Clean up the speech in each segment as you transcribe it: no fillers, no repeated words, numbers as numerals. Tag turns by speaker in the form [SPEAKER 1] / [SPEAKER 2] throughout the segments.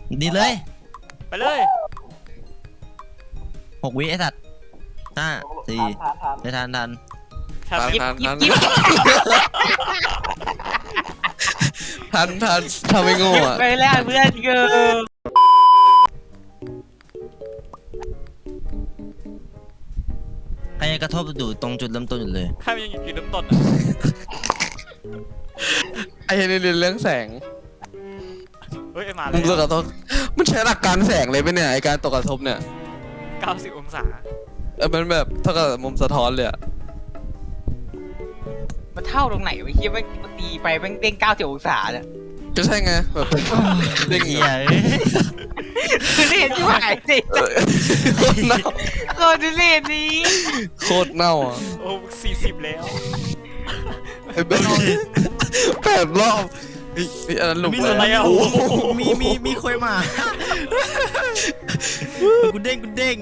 [SPEAKER 1] ดีเลย
[SPEAKER 2] ไปเลย
[SPEAKER 1] 6 วิไอ้สัตว์5 4ไม่ทัน
[SPEAKER 2] ทัน
[SPEAKER 3] ทำไม่โง่อะ
[SPEAKER 4] ไปแล้วเพื่อนเกิน
[SPEAKER 1] ใครกระทบอยู่ตรงจุดเริ่มต้นอยู่เลย
[SPEAKER 2] ข้ายังอยู่จุดเริ่มต้น
[SPEAKER 3] ไอ้เรียนเรื่องแสง
[SPEAKER 2] เฮ้ยมาเล
[SPEAKER 3] มุ
[SPEAKER 2] ย
[SPEAKER 3] มกระทบมันใช้หลักการแสงเลยไหมเนี่ยไอการตกกระทบเนี่ย
[SPEAKER 2] 90 องศา
[SPEAKER 3] มันแบบเท่ากับมุมสะท้อนเลยอะ
[SPEAKER 4] มันเท่าตรงไหนวะเฮียมันตีไปแม่งเด้ง90 องศาเนี่ย
[SPEAKER 3] ก็ใช่ไงแบบเด้ง
[SPEAKER 1] เหี้ย
[SPEAKER 4] คือเล่นที่หายสิ
[SPEAKER 3] โคตรเน่า
[SPEAKER 4] ก็ดูเล่นนี้
[SPEAKER 3] โคตรเน่าอ่ะ
[SPEAKER 2] โอ้40แล้ว
[SPEAKER 3] ไอ้แบบ8 รอบอันนั้นหลุม
[SPEAKER 2] อะไรอ่ะ
[SPEAKER 1] มีคุยมากูเด้ง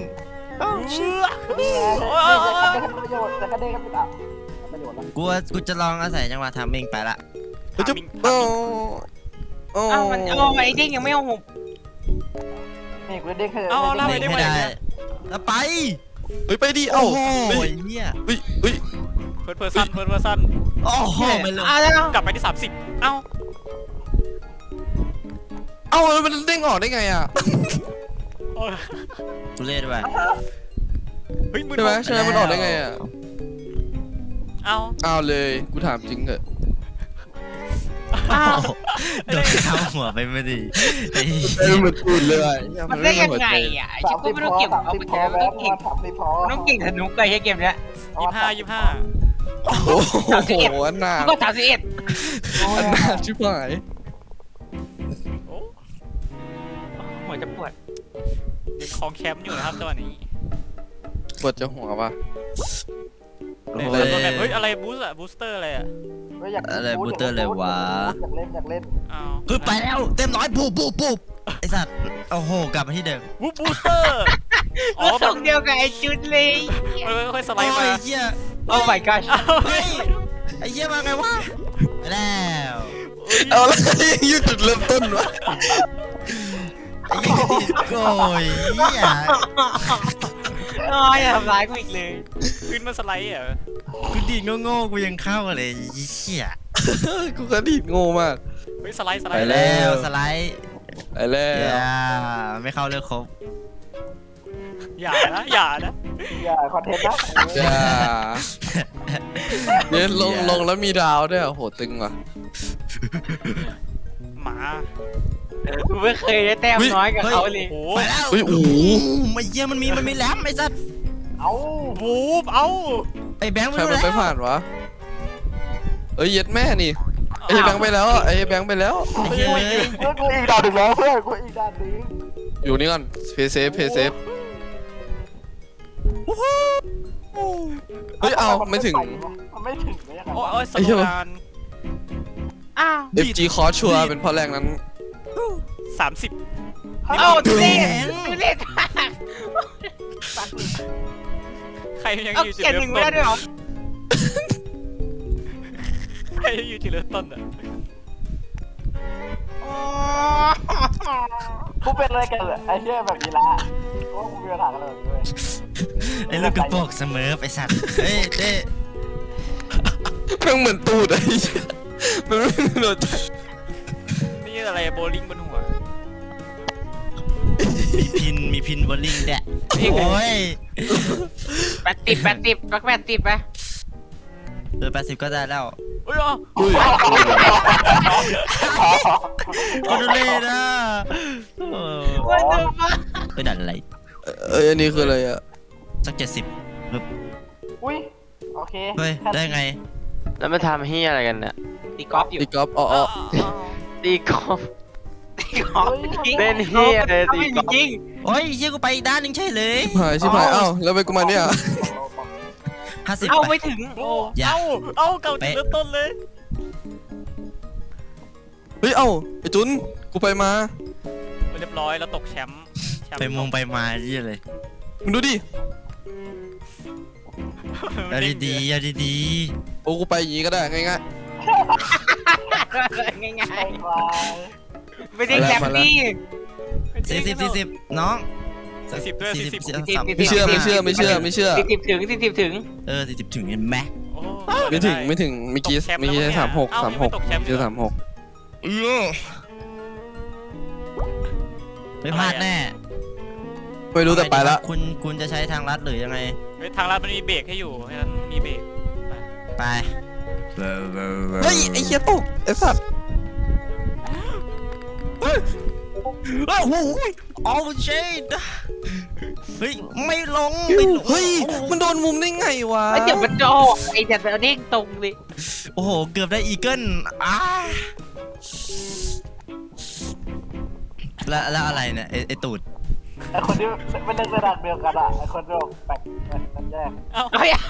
[SPEAKER 1] กูจะลองอาศัยจังหวะทำเองไปละ
[SPEAKER 3] จะโอ้
[SPEAKER 4] มันไอ้เด้งยังไม่เอาหุบ
[SPEAKER 5] นี่กูเด้งแค่
[SPEAKER 2] เอาล่าไปได้ไหม
[SPEAKER 1] แล้วไป
[SPEAKER 3] เฮ้ยไปดิเอ้า
[SPEAKER 1] โอ้โหเหี้ย
[SPEAKER 3] เฮ้ย
[SPEAKER 2] เพิร์ดเพอร์ซัน
[SPEAKER 1] โอ้โหไปเลย
[SPEAKER 2] กลับไปที่30เอ้า
[SPEAKER 3] แล้วมันเด้งออกได้ไงอ่ะ
[SPEAKER 1] กูเล่นไป
[SPEAKER 2] เฮ้ยมือ
[SPEAKER 3] ใช่ไหมใช่ไหมมันออกได้ไงอ่ะ
[SPEAKER 2] เอา
[SPEAKER 3] เลยกูถามจริงเถอะ
[SPEAKER 1] โดนเข้าหัวไปไม่ดี
[SPEAKER 3] เหมือนตูดเลย
[SPEAKER 4] มันได้ยังไงอ่ะไอ้ชิบก็ไม่ต้องเก็บเอาไปแค่ไม่ต้องเก่งต้องเก่งสนุกเลยใช่เกมเนี้ย
[SPEAKER 2] 25
[SPEAKER 3] โอ้โหอันหนา
[SPEAKER 4] ก็31
[SPEAKER 3] อันหนาชิบหาย
[SPEAKER 4] หัวจะปวด
[SPEAKER 2] ยังคลองแชมป์อยู่นะครับตัวนี้
[SPEAKER 3] ปวดจะหัวป่ะ
[SPEAKER 2] เฮ้ยอะไรบูสเตอร์อะไรอ่ะ
[SPEAKER 1] อะไรบูเตอร์เลยวะ
[SPEAKER 5] อยากเล่น
[SPEAKER 2] เอา
[SPEAKER 1] คือไปแล้วเต็มร้อยปุ๊บไอสัตว์โอ้โหกลับมาที่เดิม
[SPEAKER 2] บูสเตอร์อ๋อ
[SPEAKER 4] ส่งเดียวกับไอ้จุดเลย
[SPEAKER 2] ค่อยสไล
[SPEAKER 1] โอ้
[SPEAKER 2] ด์มาย
[SPEAKER 1] เหี้ย
[SPEAKER 4] โอ้ my gosh
[SPEAKER 1] เฮ้ยไอเหี้ยมาไงวะไปแล้ว
[SPEAKER 3] เอาแล้วยืดจุดเริ่มต้นวะ
[SPEAKER 1] ไอ้เหี้ยโอ้ยเหี้ย
[SPEAKER 4] อย่าทำร้ายกูอีกเลย
[SPEAKER 2] ขึ้นมาสไลด์อ่ะ
[SPEAKER 1] กูดีดโง่ๆกูยังเข้าเลยไอ้เหี้ย
[SPEAKER 3] กูกระดิดโง่มาก
[SPEAKER 2] เฮ้ยสไลด์
[SPEAKER 1] ไปแล้วสไลด์
[SPEAKER 3] ไปแล้ว
[SPEAKER 1] ไม่เข้าเลือกครบ
[SPEAKER 2] อย่านะ
[SPEAKER 5] อย่าคอนเทนต์นะ
[SPEAKER 3] จ้าเนี่ยลงแล้วมีดาวด้วยโหตึงว่ะ
[SPEAKER 2] หมา
[SPEAKER 4] กูไม่เคยได้แต้มน้อยกับเขาเลย
[SPEAKER 2] โอ้
[SPEAKER 1] ไปแล้ว
[SPEAKER 3] โอ้โห
[SPEAKER 1] ไม่เหี้ยมันมีแหลมไอ้สัตว์
[SPEAKER 5] เอา
[SPEAKER 2] บูบเอา
[SPEAKER 1] ไอ้แบงค์
[SPEAKER 3] ใคร
[SPEAKER 1] ไป
[SPEAKER 3] มัน
[SPEAKER 1] แล้ว
[SPEAKER 3] ไปผ่านวะเย็ดแม่นี่ไอ้แบงค์ไปแล้วไอ้แบงค์ไปแล้ว
[SPEAKER 1] ไอ้เหี้ย
[SPEAKER 5] เพื่อนกูอีกด่านหนึ่งแล้วเพื่อนกูอีกด่านหนึ่ง
[SPEAKER 3] อยู่นี่ก่อนเพย์เซฟเฮ้ยเอาไม่ถึง
[SPEAKER 5] มันไม่ถึงเลยครับ
[SPEAKER 2] โอ้ยสโลการ
[SPEAKER 3] FG คอร์ชัวเป็นเพราะแรงนั้น
[SPEAKER 2] 30
[SPEAKER 4] เอ้าดูเล่น
[SPEAKER 2] ใครยัง
[SPEAKER 4] เอา
[SPEAKER 2] อยู่จุด
[SPEAKER 4] เขียนห
[SPEAKER 2] เริ่
[SPEAKER 4] นึ่
[SPEAKER 2] ม
[SPEAKER 4] งไม่
[SPEAKER 2] ต้น
[SPEAKER 4] ได้ด้วยเหรอ
[SPEAKER 2] ใครยังอยู่จุดเริ่มต้นอ่ะ
[SPEAKER 5] กูเป็นอะไรกันไอ้เชี่ยแบบนี้ละโอ้กูมีปัญหากันเลยด้วย
[SPEAKER 1] ไอ้ลูกกระโปรงเสมอไปสัตว์เฮ้ยเต้
[SPEAKER 3] แม่งเหมือนตูดไอ้มันไม่โดนใจ
[SPEAKER 2] นี่อะไรโบลิ่งบนหัว
[SPEAKER 1] มีพินบอลลิงแดะโอ้ย
[SPEAKER 4] 80ปัก80ไป
[SPEAKER 1] เดือน80ก็ได้แล้ว
[SPEAKER 2] เฮ้ยอ๋อ
[SPEAKER 3] อุ้ย
[SPEAKER 1] ก็ดูเลยนะ
[SPEAKER 4] ว่าจะมา
[SPEAKER 1] ไปดันอะไร
[SPEAKER 3] อันนี้คืออะไรอ่ะ
[SPEAKER 1] สัก70ปึ๊บ
[SPEAKER 5] อุ้ยโอเค
[SPEAKER 1] เฮ้ยได้ไง
[SPEAKER 6] แล้วมาทำเฮียอะไรกันเนี่ย
[SPEAKER 4] ตีกอล์ฟอยู่
[SPEAKER 3] ตีกอล์ฟอ๋อ
[SPEAKER 6] ตีกอล์ฟ
[SPEAKER 4] ตีกอล์ฟจริง
[SPEAKER 6] เล่นเฮียเลยตีกอล์ฟ
[SPEAKER 4] จริง
[SPEAKER 1] โอ้ยเชี่ยกูไปอีกด้านหนึงใช่เลย
[SPEAKER 3] ชิบหายเอ้าแล้วไปกูมาเนี่ย
[SPEAKER 1] 50
[SPEAKER 4] เอา
[SPEAKER 1] ไป
[SPEAKER 4] ไม่ถึง
[SPEAKER 2] โอ้เอาเก่าจุดเริ่มต้นเลย
[SPEAKER 3] เฮ้ยเอ้าไอ้จุนกูไปมา
[SPEAKER 2] เรียบร้อยแล้วตกแชมป์
[SPEAKER 1] ไปมงไปมาที่เลย
[SPEAKER 3] มึงดูดิ
[SPEAKER 1] เอาดี
[SPEAKER 3] โอ้กูไปอย่างงี้ก็ได้ง่าย
[SPEAKER 4] ง่าย
[SPEAKER 5] ไอ้ควาย
[SPEAKER 4] ๆไม่ได้แคปปี้
[SPEAKER 1] 40น้อง
[SPEAKER 2] 40ด้วย40
[SPEAKER 3] ไม่เชื่อ
[SPEAKER 4] 40 ถึง
[SPEAKER 1] 40ถึงเห็นไหม
[SPEAKER 2] โอ้
[SPEAKER 3] ไม่ถึงเมื่อกี้36
[SPEAKER 2] เอ้าไม่ตกแชมป์
[SPEAKER 3] เจอ36
[SPEAKER 1] ไม่พลาดแน่
[SPEAKER 3] ไม่รู้แต่ไปละ
[SPEAKER 1] คุณจะใช้ทางลัดหรือยังไง
[SPEAKER 2] เฮ้ยทางลัดมันมีเบรกให้อยู่เพราะฉะนั้นมีเบรก
[SPEAKER 1] ไป
[SPEAKER 3] เฮ้ยไอ้เหี้ยตกไอ้สัตว์
[SPEAKER 1] โอ้โหโอ้เชดเฮ้ยไม่ลง
[SPEAKER 3] เฮ้ยมันโดนมุมได้ไงวะ
[SPEAKER 4] เดี๋ยวมันโจไอ้เดี๋ยวเด้งตรงเลย
[SPEAKER 1] โอ้โหเกือบได้อีเกิลแล้วอะไรเนี่ยไอตูด
[SPEAKER 5] ไอ้คนที่ไม่เล่นระดับเดียวกันอ่ะไอ้คนที่แปลกมันแยก
[SPEAKER 2] เอ้า
[SPEAKER 4] เฮ้ย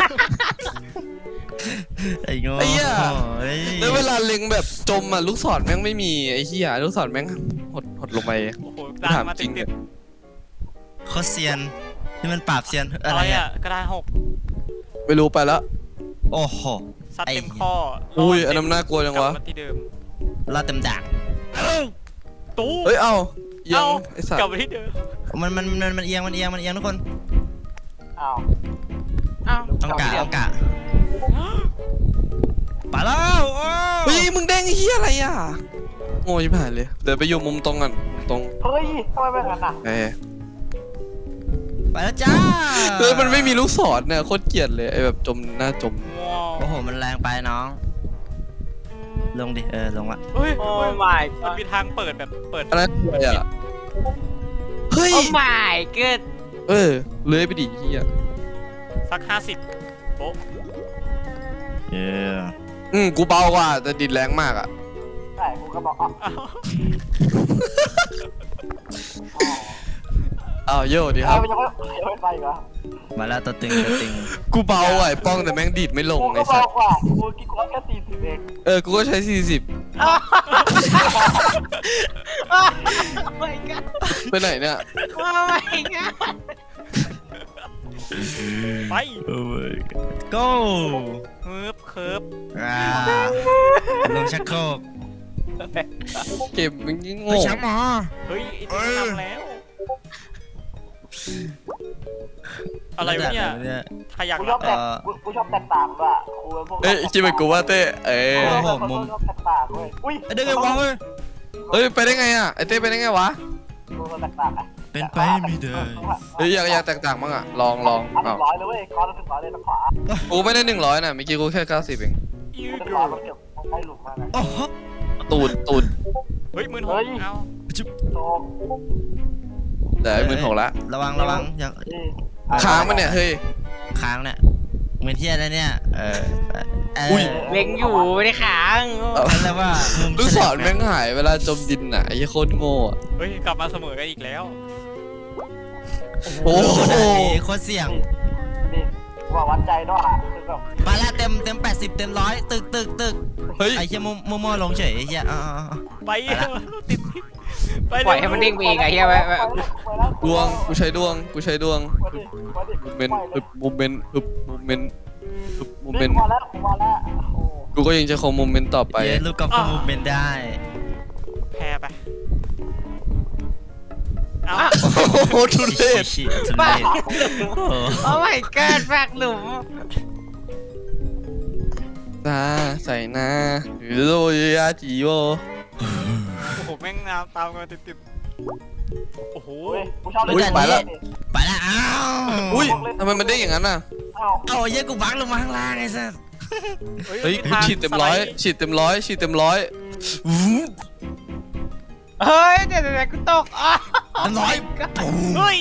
[SPEAKER 1] ไอ้โง่
[SPEAKER 3] ไอ้เหี้ย
[SPEAKER 1] เฮ้ย
[SPEAKER 3] แล้วเวลาเล็งแบบจมอ่ะลูกศรแม่งไม่มีไอ้เหี้ยลูกศรแม่งหดลงไป
[SPEAKER 2] โอ้โหกระดานมาติด
[SPEAKER 1] โคตรเซียนที่มันปราบเซียน
[SPEAKER 2] ๆ
[SPEAKER 1] อะ
[SPEAKER 2] อะไร ไร
[SPEAKER 1] อ่ะ
[SPEAKER 2] อ่ะกระดาน6
[SPEAKER 3] ไม่รู้ไปแล้ว
[SPEAKER 1] โอ้โห
[SPEAKER 2] ซัดเต็มข้อ
[SPEAKER 3] อุ้ยอันนั้นน่ากลัวจังวะ
[SPEAKER 2] กลับมาที่เดิม
[SPEAKER 1] รอดเต็มด่าง
[SPEAKER 2] ตู้
[SPEAKER 3] เฮ้ยเอ้ายัง
[SPEAKER 2] เอ้า
[SPEAKER 3] ไอ้สัต
[SPEAKER 2] กลับ
[SPEAKER 3] ว์
[SPEAKER 2] มาที่เดิม
[SPEAKER 1] มันเอียงทุกคน
[SPEAKER 5] อ้าว
[SPEAKER 4] อ้าว
[SPEAKER 1] ต้องกะไปแล้วโอ้
[SPEAKER 3] เฮ้ยมึงแดงไอ้เหี้ยอะไรอ่ะโง่ชิบหายเลยเดี๋ยวไปอยู่มุมตรงกันมุมตรง
[SPEAKER 5] เฮ้ยทำไมเป็นงั้นอ่ะ
[SPEAKER 1] ไปแล้วจ้า
[SPEAKER 3] เลยมันไม่มีลูกศรเนี่ยโคตรเกลียดเลยไอ้แบบจมหน้าจม
[SPEAKER 2] ว้าว
[SPEAKER 1] โอ้โหมันแรงไปน้อง ลงดิลงละ
[SPEAKER 2] เฮ้ย
[SPEAKER 4] โอ้
[SPEAKER 2] เฮ้ย
[SPEAKER 4] my
[SPEAKER 2] มันมีทางเปิดแบบเปิด
[SPEAKER 3] อันนั้นอะไรอ่ะเฮ้ย
[SPEAKER 4] โอ้ my god
[SPEAKER 3] เลื้อยไปดิเหี้ย
[SPEAKER 2] สัก50โป๊ะ
[SPEAKER 3] กูเบากว่าแต่ดิดแรงมากอ่ะ
[SPEAKER 5] ใช่กูก็บอกอ๋อ
[SPEAKER 2] อ้าว
[SPEAKER 3] อ้าวโย่ดีครับ
[SPEAKER 5] มันยังไม่ไปอีกเหรอ
[SPEAKER 1] มาแล้วตัวตึง
[SPEAKER 3] กูเบาอ่ะไอ้ป้องแต่แม่งดีดไม่ลง
[SPEAKER 5] กู
[SPEAKER 3] ไอ้
[SPEAKER 5] ก็บ
[SPEAKER 3] สั
[SPEAKER 5] อ
[SPEAKER 3] ส
[SPEAKER 5] กว่ากูคิดว่าแค่40เอง
[SPEAKER 3] กูก็ใช้40
[SPEAKER 4] โอ้ my god
[SPEAKER 3] ไปไหนเนี่ย
[SPEAKER 4] โอ้ my god
[SPEAKER 2] ไป
[SPEAKER 1] go
[SPEAKER 2] เคิร์ฟ
[SPEAKER 1] ลงชักโครก
[SPEAKER 3] เกมมึงยิ่ง
[SPEAKER 1] ไป
[SPEAKER 3] โง่
[SPEAKER 1] ช้างหมอ
[SPEAKER 2] เฮ้ยไอ้ที่ทำแล้วอะไรวะเนี่ยขยัก
[SPEAKER 5] กูช
[SPEAKER 2] รั
[SPEAKER 5] อ
[SPEAKER 2] บบ
[SPEAKER 5] แตกกูชอบแตกต่างด้วยกูเป็นพวก
[SPEAKER 3] คิดเหมือนกูว่าเต้
[SPEAKER 5] ชอบแตกต่างเว้ยอุ้ย
[SPEAKER 1] เดินไงวะเว้ย
[SPEAKER 3] ไปได้ไงอ่ะไอ้เต้ไปได้ไงวะ
[SPEAKER 5] กูแตกต่างอ่ะ
[SPEAKER 1] เป็นไปไม่ได้
[SPEAKER 3] อยากแตกต่างบ้างอ่ะลอง
[SPEAKER 5] เอา
[SPEAKER 3] อ้าว
[SPEAKER 5] 100เลยเว้ยก้อนละ100เลยทางขวา
[SPEAKER 3] กูไม่ได้100น่ะเมื่อกี้กูแค่90เอง
[SPEAKER 5] 100มันเก็บใกล้หลุมมากนะ
[SPEAKER 1] โอ้โห
[SPEAKER 3] ตูด
[SPEAKER 2] เฮ้ย16,000เอ้า
[SPEAKER 5] โต
[SPEAKER 3] แต่ไอ้16,000ละ
[SPEAKER 1] ระวังอย่าง
[SPEAKER 3] ค้างมันเนี่ยเฮ้ย
[SPEAKER 1] ค้างเนี่ยเหมือนที่อะไรเนี่ย
[SPEAKER 3] อุ้ย
[SPEAKER 4] เล็งอยู่ไม่ได้ค้าง
[SPEAKER 1] นั่นแหละว่ามุม
[SPEAKER 3] ลูกศรแม่งหายเวลาจมดินอ่ะไอ้โคตรโง่อะ
[SPEAKER 2] เฮ้ยกลับมาเสมอกันอีกแล้ว
[SPEAKER 3] โอ้โห
[SPEAKER 1] โคตรเสี่ยง
[SPEAKER 5] นี่ว่าวัดใจด้วยคือแบบ
[SPEAKER 1] มาแล้วเต็ม80เต็ม100ตึก
[SPEAKER 3] เฮ้ย
[SPEAKER 1] ไอ้เหี้ยมั่วลงเฉยไอ้เหี้ย
[SPEAKER 2] ไปติดไป
[SPEAKER 4] ปล่อยให้มันเด้งไปเองไงเฮีย
[SPEAKER 3] ดวงกูใช้ดวง
[SPEAKER 5] โมเมนต์
[SPEAKER 3] โมเมนต์
[SPEAKER 5] มาแล้วมาแล้วโอ้
[SPEAKER 3] กูก็ยังจะคงโมเมนต์ต่อไป
[SPEAKER 1] เย้ลูกกอล์ฟมูฟเมนต์ได้
[SPEAKER 2] แพ้ไปเอา
[SPEAKER 3] โอ้โหทุเรศ
[SPEAKER 1] ชิทุ
[SPEAKER 4] ปา
[SPEAKER 1] เร
[SPEAKER 4] ก
[SPEAKER 1] ศ
[SPEAKER 4] หลุมโอ้ my god ปากหลุม
[SPEAKER 3] ตาใส่หน้าหรือโรยาจิโอ
[SPEAKER 2] โอ้โหแม่งน้ำตามกันติดโอ้โห
[SPEAKER 5] โหกูชอบ
[SPEAKER 1] ไปแล้วอ้าว
[SPEAKER 3] อุ้ยทำไมมันได้อย่างนั้นน่ะ
[SPEAKER 1] เอาเหี้ยกูบังลงมาข้างล่างไอ้สัส
[SPEAKER 3] เฮ้ยฉีดเต็มร้อยฉีดเต็มร้อย
[SPEAKER 4] เฮ้ยเดี๋ยวกูตกอ๋อ
[SPEAKER 1] เต็ม100
[SPEAKER 2] เฮ้ย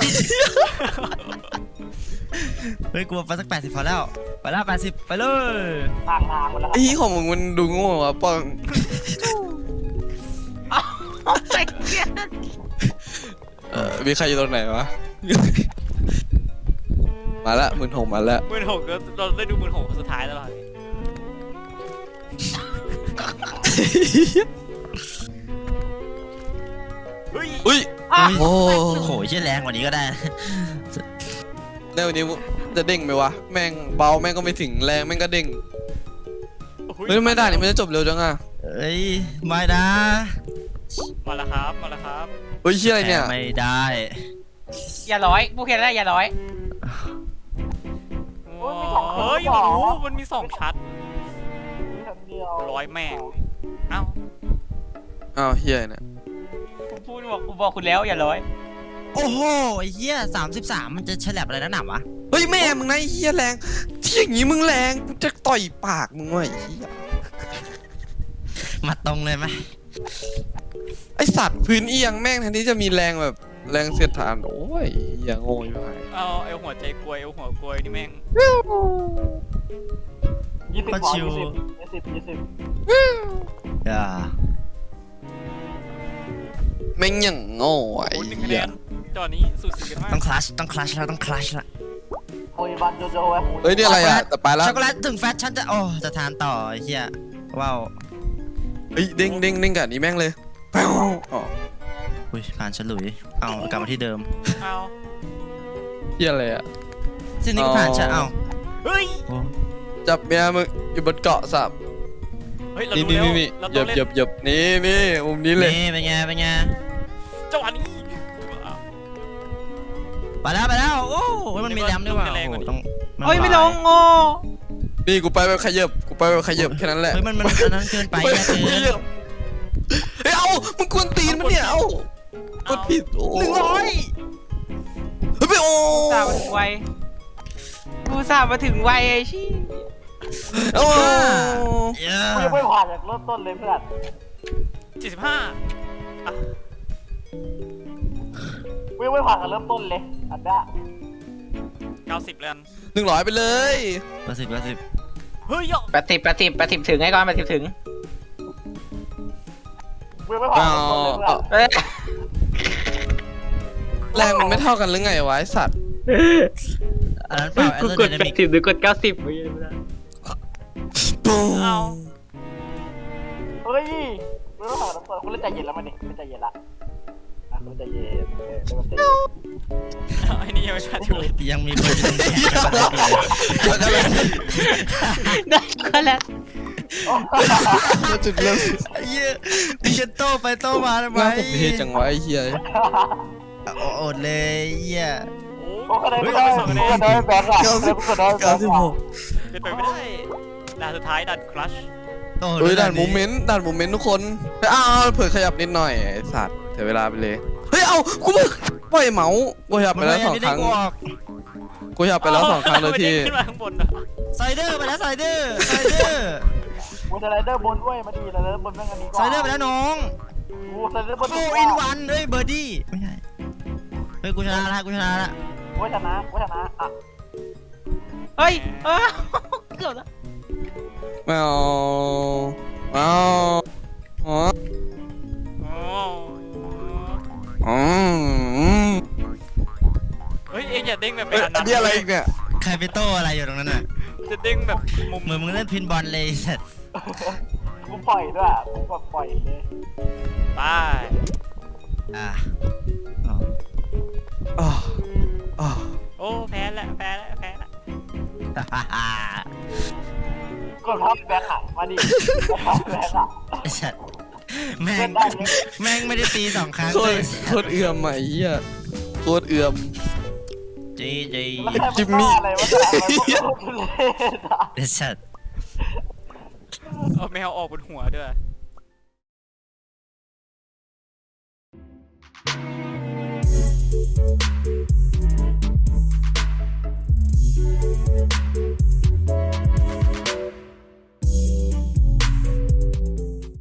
[SPEAKER 1] เฮ้ยกูไปสัก80พอแล้วไปแล้ว80ไปเลย
[SPEAKER 5] ทางมันแล้ว
[SPEAKER 3] ไอ้ที่ของมึงมันดูโง่อะป้อง
[SPEAKER 4] โอ้ my god
[SPEAKER 3] มีใครอยู่ตรงไหนวะ มาละ16,000มาละ
[SPEAKER 2] 16,000เราได้ดู16,000คนสุดท้ายตลอดเฮ้ย
[SPEAKER 3] อุ้ย โอ้
[SPEAKER 1] โหเชี่ยแรงกว่านี้ก็ได้
[SPEAKER 3] ในวันนี้จะเด้งไหมวะ แม่งเบาแม่งก็ไม่ถึงแรงแม่งก็เด้งเฮ้ยไม่ได้นี่มันจะจบเร็วจังอะ
[SPEAKER 1] เอ้ยไม่นะ
[SPEAKER 2] มาแล้วครับ
[SPEAKER 3] เฮ้ยเฮียอะไรเนี่ย
[SPEAKER 1] ไม่ได้
[SPEAKER 4] อย่าร้อยผู้เขียนได้อย่าร้อย
[SPEAKER 2] เฮ้ยโอ้โหมันมี2ชั้น
[SPEAKER 5] มีชั้นเดียว
[SPEAKER 2] ร้อยแม่งเอ้า
[SPEAKER 3] อ้าวเฮียเนี่ย
[SPEAKER 4] ผมบอกคุณแล้วอย่าร้อย
[SPEAKER 1] โอ้โหไอ้เหี้ย33มันจะฉลับอะไรนักหนาวะ
[SPEAKER 3] เฮ้ยแม่มึงนะไอ้เฮียแรงที่อย่างงี้มึงแรงกูจะต่อยปากมึงว่ะไอ้เฮีย
[SPEAKER 1] มาตรงเลยไหม
[SPEAKER 3] ไอสัตว์พื้นเอียงแม่งแทนที่จะมีแรงแบบแรงเสียดทานโอ้ยอย่างโง่อยู่ไหน
[SPEAKER 2] เอาไอหัวใจกลวยไอหัวกลวยนี่แม่ง
[SPEAKER 5] 20
[SPEAKER 1] ก็
[SPEAKER 5] พอ
[SPEAKER 1] ชิว
[SPEAKER 5] 20
[SPEAKER 1] อย่า
[SPEAKER 3] แม่งอย่างโง่ไอ้
[SPEAKER 2] โอ้1คะ
[SPEAKER 3] เหี้
[SPEAKER 2] แน
[SPEAKER 3] ย
[SPEAKER 2] นจอนี้สูสีกันมาก
[SPEAKER 1] ต้องคลัชต้องคลัชแล้วต้องคลัชละ
[SPEAKER 5] โอ้ยบันโจโจ้ไว้
[SPEAKER 3] เฮ้ยนี่อะไรอ่ะแต่ไปแล้ว
[SPEAKER 1] ช็อกโกแลตถึงแฟชฉันจะโอ้จะทานต่อไอ้เหี้ยว้าว
[SPEAKER 3] เฮ้ยเด้งเด้งเด้งกับอันนี้แม่งเลยแป้วอ๋อ
[SPEAKER 1] อุ้ยผ่านฉลุยเอากลับมาที่เดิม
[SPEAKER 2] เอา
[SPEAKER 3] เฮียอะไรอ่ะ
[SPEAKER 1] สิ่งนี้ก็ผ่านฉันเอา
[SPEAKER 2] เฮ้ย
[SPEAKER 1] โอ้
[SPEAKER 3] จับเมียมึงอยู่บนเกาะสับ
[SPEAKER 2] เฮ้ยเรา
[SPEAKER 3] นี่
[SPEAKER 2] ดู
[SPEAKER 3] นี่
[SPEAKER 2] แล้ว
[SPEAKER 3] นี่
[SPEAKER 2] เรา
[SPEAKER 3] หย
[SPEAKER 2] ต้อง
[SPEAKER 3] บ
[SPEAKER 2] เล่น
[SPEAKER 3] หยบหยบนี่นี่มุมนี้เลย
[SPEAKER 1] นี่เป็นไงเป็นไง
[SPEAKER 2] จังหวะนี้
[SPEAKER 1] ไปแล้วโอ้มันมีแรมด้วยว่ะโอ้โหต้อง
[SPEAKER 4] เฮ้ยไม่ลงโง่
[SPEAKER 3] นี่กูไปแบบขยับกูไปแบบขยับแค่นั้นแหละ
[SPEAKER 1] เฮ้ยมันอันนั้นเกินไป
[SPEAKER 3] ไป
[SPEAKER 1] อะ
[SPEAKER 3] แบบ
[SPEAKER 1] เกิ
[SPEAKER 3] ข
[SPEAKER 1] น
[SPEAKER 3] ยับเฮ้ยเอามึงกวนตีนมันเนี่ยเอากดผิดโอ้
[SPEAKER 1] 100
[SPEAKER 3] เฮ้ยไปโอ้
[SPEAKER 4] สามาถึงไวกูสามาถึงไวไอ้ชี้
[SPEAKER 3] โอ้
[SPEAKER 1] เย้
[SPEAKER 5] กูยังไม่ผ่านจากเริ่มต้นเลยเพื่อน
[SPEAKER 2] 45อ่ะ
[SPEAKER 5] กูยังไม่ผ่านจากเริ่มต้นเลยอันเนี้ย
[SPEAKER 2] 90แล้ว
[SPEAKER 3] 100ไปเลย
[SPEAKER 1] 80
[SPEAKER 2] เฮ้ยอ่ะ
[SPEAKER 4] 80ถึงไอ้ก่อน80ถึง
[SPEAKER 5] กูยังไม่ผ่านจากเริ่มต้นเลยเพื่อน
[SPEAKER 4] เอ้ย
[SPEAKER 3] แรงมันไม่เท่ากันหรือไงวะไอสัตว์
[SPEAKER 1] อันนั้นเปล่า
[SPEAKER 4] กูกด
[SPEAKER 1] Aerodynamic
[SPEAKER 4] 80หรือกด90ไม่ได้
[SPEAKER 3] ปุ้ง
[SPEAKER 2] เอา
[SPEAKER 5] เฮ้ยกูยังไม่ผ่านจากเริ่มต้นกูเล่นใจเย็นแล้วมันนี่กูใจเย็นละอ่ะกูใจเย็นใจเย็น
[SPEAKER 2] ไอ้นี่ยังไม่ชัดอยู่เลย
[SPEAKER 1] ยังมีคนอยู่ตรงนี้
[SPEAKER 4] ได้ก็แล้ว
[SPEAKER 3] จุดเริ่ม
[SPEAKER 1] ไอ้เหี้ยมึงจะโต้ไปโต้มาทำไม
[SPEAKER 3] น่าผมเทจังวะไอ้เหี้ย
[SPEAKER 1] อดเลยเหี้ย
[SPEAKER 2] โอ้
[SPEAKER 5] กูก็ได้กูก็ได้แบงค์อ่ะกูก็ได้แบงค์อ่ะ
[SPEAKER 2] เป็นไปไม่ได้ด่านสุดท้ายด่านคลัช
[SPEAKER 1] โต้
[SPEAKER 3] เฮ้ยด่านโมเมนต์ทุกคนเฮ้ยอ้าวเผื่อขยับนิดหน่อยไอ้สัตว์เสียเวลาไปเลยเฮ้ยเอากูมึงปล่อยเมาส์กูขยับไปแล้ว2 ครั้งกูขยับไปแล้ว2 ครั้งเลยที่
[SPEAKER 2] ขึ้นมาข้างบนอ่ะ
[SPEAKER 1] ไซเดอร์ไปแล้วไซเดอร์
[SPEAKER 5] กูจะไรเดอร์บนด้วยมาดีไรเดอร์บนแม่งอันนี้ก่อน
[SPEAKER 1] ไซเดอร์ไปแล้วน้อง
[SPEAKER 5] กูไรเดอร์บน
[SPEAKER 1] โอ้อินวันเฮ้ยเบอร์ดี้ไม่ใช่เฮ้ยกูชนะละ
[SPEAKER 5] กูชนะอ่ะ
[SPEAKER 4] เฮ้ยเกือบแล้ว
[SPEAKER 3] ไม่เอาอ๋อ
[SPEAKER 2] โอ้
[SPEAKER 3] อืม
[SPEAKER 2] เฮ้ยเอ็งอย่าเด้งแบบ
[SPEAKER 3] เอ้ย
[SPEAKER 2] อัน
[SPEAKER 3] อั
[SPEAKER 2] นั้น น
[SPEAKER 3] นี้อะไรอีกเนี่ย
[SPEAKER 1] ใครไปโต้อะไรอยู่ตรงนั้นน่ะ
[SPEAKER 2] จะเด้งแบบมุม
[SPEAKER 1] เหมือนมึงเล่นพินบอลเลยสัตว์
[SPEAKER 5] กูปล่อยด้วยกูแบบปล่อยเลย
[SPEAKER 2] ไป
[SPEAKER 1] อ่ะ
[SPEAKER 3] อ๋ออ๋อ
[SPEAKER 2] โอ้แพ้ละ
[SPEAKER 5] กดทับแบงค์อ่ะมาดิทับแบงค์อ่ะ
[SPEAKER 1] ไอ้สัตว์แม่งไม่ได้ตี2 ครั้ง
[SPEAKER 3] โค
[SPEAKER 1] เล
[SPEAKER 3] ตร
[SPEAKER 1] ย
[SPEAKER 3] โคตรเอื่อมอ่ะไอ้เหี้ยโคตรเอื่อม
[SPEAKER 1] จี
[SPEAKER 5] แล้วใครมันบ้าอะไรวะอะไรวะทุเรศอ่ะ
[SPEAKER 1] ไอ้สัตว์
[SPEAKER 2] เอาแมวออกบนหัวด้วย